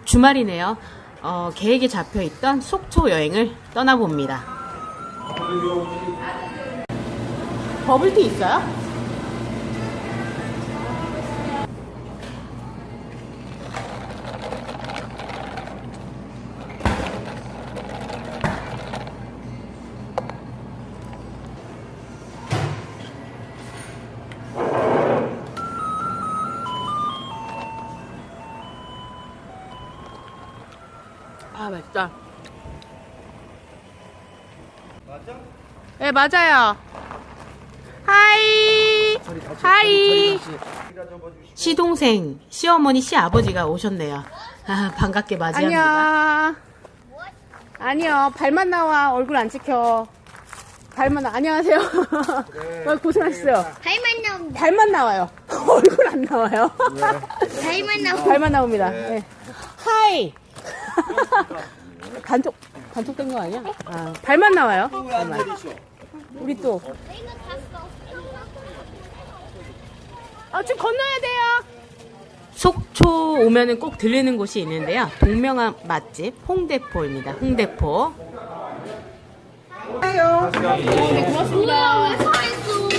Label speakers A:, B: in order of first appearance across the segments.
A: 주말이네요. 계획에 잡혀있던 속초 여행을 떠나봅니다. 버블티 있어요? 아, 맛있다.
B: 맞아?
A: 네, 맞아요. 하이. 하이. 시동생, 시어머니, 시아버지가 오셨네요. 아, 반갑게 맞이합니다. 안녕. 아니요, 발만 나와. 얼굴 안 찍혀. 발만 나. 안녕하세요.
B: 그래,
A: 고생하셨어요.
C: 발만 나옵니다.
A: 발만 나와요. 얼굴 안 나와요.
C: 발만 나옵니다.
A: 발만 나옵니다. 네. 하이. 단톡된 거 아니야? 아, 발만 나와요. 발만. 우리 또. 지금 건너야 돼요. 속초 오면은 꼭 들리는 곳이 있는데요. 동명한 맛집 홍대포입니다. 홍대포. 네, 고맙습니다.
C: 왜 서있어?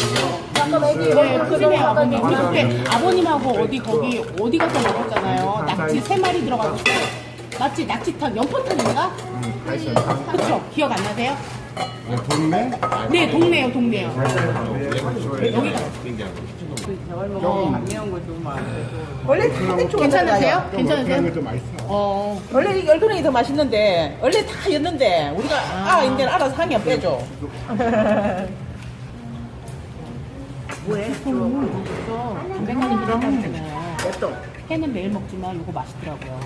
A: 우리 그때 아버님하고 어디 가서 먹었잖아요. 낙지 3마리 들어가고. 맞지? 낙지탕, 연포탕인가? 그쵸? 기억 안 나세요?
B: 동네?
A: 네, 동네요. 여기가.
D: 원래 다른 쪽은
A: 괜찮으세요?
B: 그런 좀 맛있어.
D: 원래 열그랭이 더 맛있는데 원래 다 였는데 우리가 이제는 알아서 하면 빼줘.
A: 뭐해? 담백하니 들어가면 되잖아요. 회는 매일 먹지만 이거 맛있더라고요.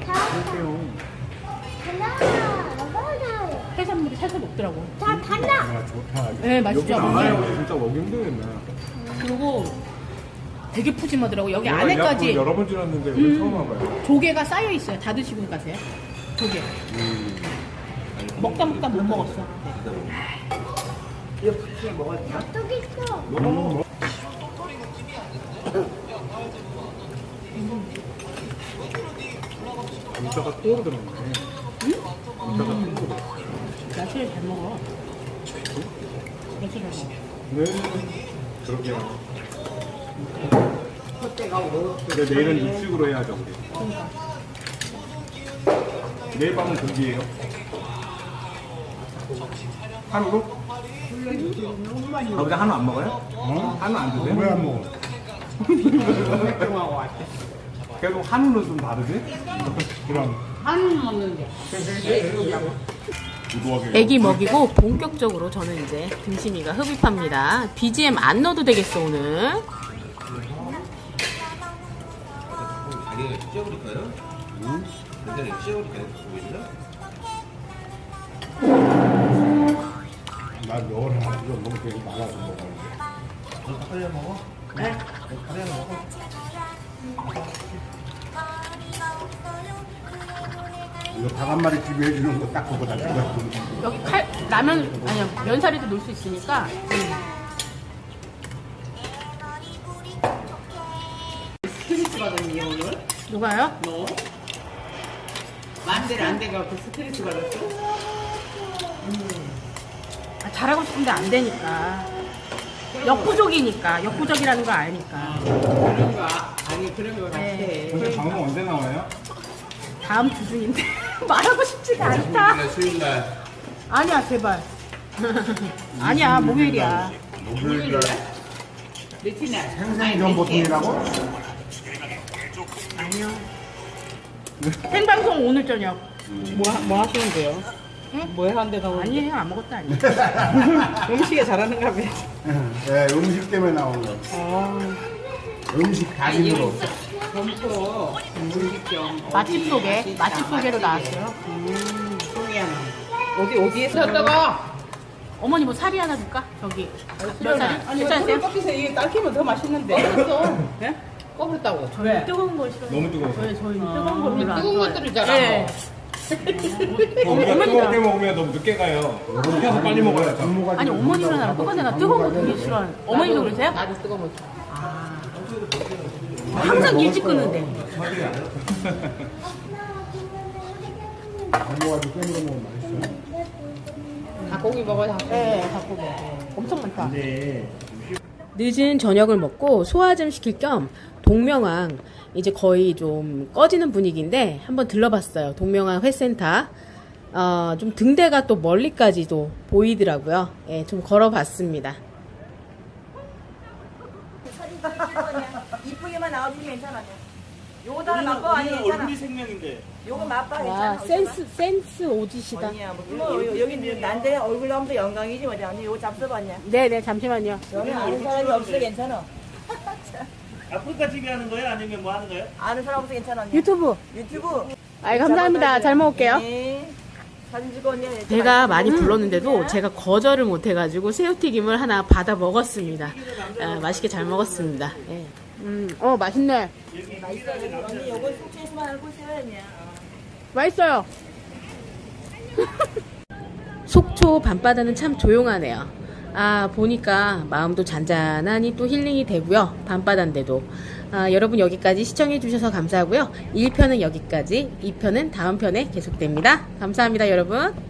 A: 해산물이 살살 녹더라고.
C: 자, 달라.
B: 야, 좋다.
A: 네, 맛있죠.
B: 여기 나와요. 진짜 먹기 힘들겠네.
A: 그리고 되게 푸짐하더라고. 여기
B: 내가
A: 안에까지
B: 이 여러 번 지났는데 오늘 처음 와봐요.
A: 조개가 쌓여 있어요. 다 드시고 가세요. 조개. 먹다 못 먹었어.
C: 어떻게 있어?
B: 문자가 또 들어갔네. 문자가 또 들어갔네.
A: 야채를 잘 먹어. 야채를 잘 먹어.
B: 네. 그렇게. 근데 내일은 육식으로 해야죠, 우리. 내일 밤은 고기예요. 한우로? 거기다 한우 안 먹어요? 한우 안 드세요? 왜 안 먹어? 계속 한우는 좀 다르지? 그럼.
A: 한우 먹는데.
B: 애기
A: 애기 먹이고 본격적으로 저는 이제 등심이가 흡입합니다. BGM 안 넣어도 되겠어 오늘.
E: 자기가 찢어버릴까요? 응? 굉장히 찢어버릴까요? 보이시나?
B: 난 너를 안 이거 너무 되게 많아서 먹어.
E: 너 닭다리 먹어? 네? 닭다리 먹어?
B: 이거 닭 한 마리 비벼해 주는 거 딱 그거다.
A: 여기 라면 아니야 면사리도 넣을 수 있으니까.
D: 스트레스 받았니 오늘?
A: 누가요?
D: 너? 만대를 안 돼가 그 스트레스 받았어?
A: 잘하고 싶은데 안 되니까. 역부족이라는 걸 아니까.
D: 그런 거 아니 그런 거 같아.
B: 근데 방송 언제 나와요?
A: 다음 주 중인데 말하고 싶지가 않다.
E: 수요일날
A: 아니야 제발. 아니야 목요일이야.
B: 목요일날
D: 며칠 날?
B: 생생전 보통이라고?
A: 아니요. 생방송 오늘 저녁.
D: 뭐 하시는데요?
A: 응?
D: 뭐 하는데 나오는
A: 아니에요 아무것도 아니에요.
D: 음식에 잘하는가 봐.
B: 네, 음식 때문에 나온 거. 음식 다짐으로.
D: 점포 음식점
A: 맛집 소개로 나왔어요.
D: 송이야는 어디에서 샀다가?
A: 어머니 뭐 사리 하나 줄까? 저기 몇 사리?
D: 아니
A: 괜찮으세요?
D: 커피에서 이게 딸기면 더 맛있는데.
A: 꺼버렸어.
D: 네? 꺼버렸다고.
A: 저희 뜨거운 거 싫어요.
B: 너무 뜨거워서.
A: 저희 뜨거운 거 별로 안
D: 뜨거운
A: 좋아해요.
D: 것들을 잘
A: 네.
B: 우리가 뜨겁게 먹으면 너무 늦게 가요. 그래서 빨리 먹어야죠.
A: 아니 어머니는 나랑 똑같아. 나 뜨거운 거 되게 싫어하는. 어머니도 그러세요?
D: 나도 뜨거운 거.
A: 항상 일찍 끄는데.
B: 담궈가지고 깨물어 먹으면 맛있어.
A: 닭고기 먹어요. 네, 닭고기. 엄청 많다.
E: 근데
F: 늦은 저녁을 먹고 소화 좀 시킬 겸 동명항 이제 거의 좀 꺼지는 분위기인데 한번 들러봤어요. 동명항 회센터. 좀 등대가 또 멀리까지도 보이더라고요. 예, 좀 걸어봤습니다.
D: 이쁘게만 나와주면 괜찮아. 요거 다 맛봐 아니 괜찮아.
E: 얼굴이 생명인데.
D: 요거 맛봐
A: 와,
D: 괜찮아.
A: 센스 오지시다.
D: 아니야 뭐 여기 난데 얼굴 나오면 또 영광이지 뭐지. 언니 요거 잡숴봤냐?
A: 네네, 잠시만요.
D: 여기 아는 사람이 없어 괜찮아.
E: 아프리카 TV 하는 거예요? 아니면 뭐 하는 거예요?
D: 아는 사람 없어 괜찮아. 언니.
A: 유튜브.
D: 유튜브.
A: 아이, 감사합니다. 잘 먹을게요.
D: 네. 사진 찍어 언니.
F: 배가 많이 불렀는데도 제가 거절을 못해가지고 새우튀김을 하나 받아 먹었습니다. 맛있게 잘 먹었습니다. 예.
A: 맛있네.
D: 언니 요거 숙취에서만 알고 있어야 했냐.
A: 맛있어요.
F: 속초 밤바다는 참 조용하네요. 보니까 마음도 잔잔하니 또 힐링이 되고요. 밤바다인데도. 여러분 여기까지 시청해주셔서 감사하고요. 1편은 여기까지, 2편은 다음 편에 계속됩니다. 감사합니다, 여러분.